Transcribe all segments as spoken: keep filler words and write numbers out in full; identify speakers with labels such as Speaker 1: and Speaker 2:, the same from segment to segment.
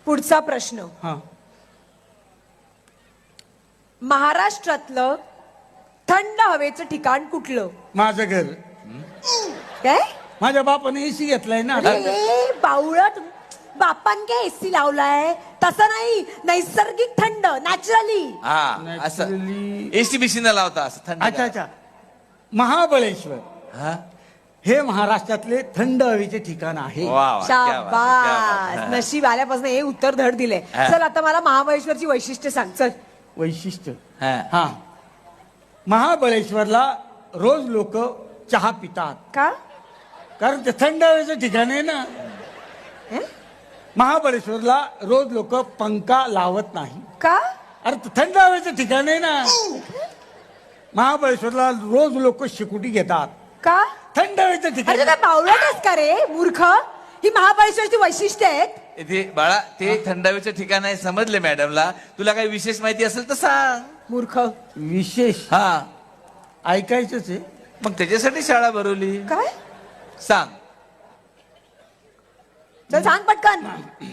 Speaker 1: पुढचा प्रश्न,
Speaker 2: हा
Speaker 1: महाराष्ट्रातलं थंड हवेचं ठिकाण कुठलं?
Speaker 2: माझं घर.
Speaker 1: काय?
Speaker 2: माझ्या बापाने एसी घेतलाय ना.
Speaker 1: अरे बावळट, बापान काय एसी लावलाय? तसं नाही, नैसर्गिक थंड, नॅचरली.
Speaker 3: हा असं
Speaker 2: Naturally.
Speaker 3: एसी बिसी न लावता असं थंड.
Speaker 2: अच्छा अच्छा. महाबळेश्वर
Speaker 3: हा
Speaker 2: हे महाराष्ट्रातले थंड हवेचे ठिकाण आहे.
Speaker 3: वा वा, क्या बात है, क्या बात
Speaker 1: शाबास,
Speaker 3: है.
Speaker 1: नशीब आल्यापासून हे उत्तर धड दिले.
Speaker 3: हा.
Speaker 1: चल आता मला महाबळेश्वरची वैशिष्ट्य सांग. चल.
Speaker 2: वैशिष्ट्य
Speaker 3: हा.
Speaker 2: हा महाबळेश्वरला रोज लोक चहा पितात
Speaker 1: का?
Speaker 2: कारण ते थंड हवेचं ठिकाण आहे ना.
Speaker 1: हं?
Speaker 2: महाबळेश्वरला रोज लोक पंखा लावत नाही.
Speaker 1: का?
Speaker 2: अरे ते थंड हवेचं ठिकाण आहे ना. महाबळेश्वरला रोज लोक शिकुटी घेतात.
Speaker 1: का?
Speaker 2: थंड हवेचं
Speaker 1: अरे
Speaker 2: ठिकाण.
Speaker 1: तू काय बावळटच का रे मूर्ख? ही महाबळेश्वरची वैशिष्ट्य आहेत.
Speaker 3: इथे बाळा ते थंडावीचं ठिकाण आहे समजले मॅडमला. तुला काही विशेष माहिती असेल तर सांग.
Speaker 1: मूर्ख.
Speaker 2: विशेष
Speaker 3: हा
Speaker 2: ऐकायचंच आहे.
Speaker 3: मग त्याच्यासाठी शाळा भरवली.
Speaker 1: काय?
Speaker 3: सांग.
Speaker 1: चल सांग पटकन.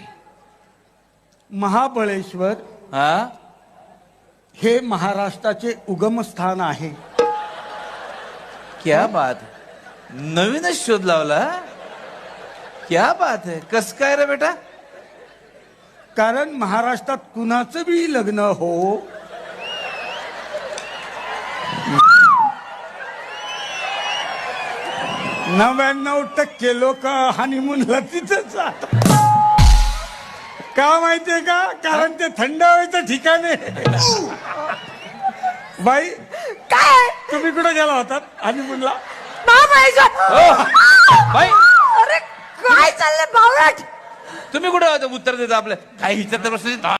Speaker 2: महाबळेश्वर
Speaker 3: हा
Speaker 2: हे महाराष्ट्राचे उगमस्थान आहे.
Speaker 3: क्या बात है. नवीनच शोध लावला. क्या बात है. कस काय रे बेटा?
Speaker 2: कारण महाराष्ट्रात कुणाचं बी लग्न हो, नव्याण्णव टक्के लोक हनीमूनला तिथंच जातात. का माहितीये का? कारण ते थंड हवेचं ठिकाण आहे. बाई
Speaker 1: काय?
Speaker 2: तुम्ही कुठे गेला होतात हनीमूनला?
Speaker 1: महाबळेश्वर.
Speaker 3: हो. बाई
Speaker 1: अरे काय चाललंय बावळट?
Speaker 3: तुम्ही कुठे होता उत्तर देता आपलं काही विचारता प्रश्न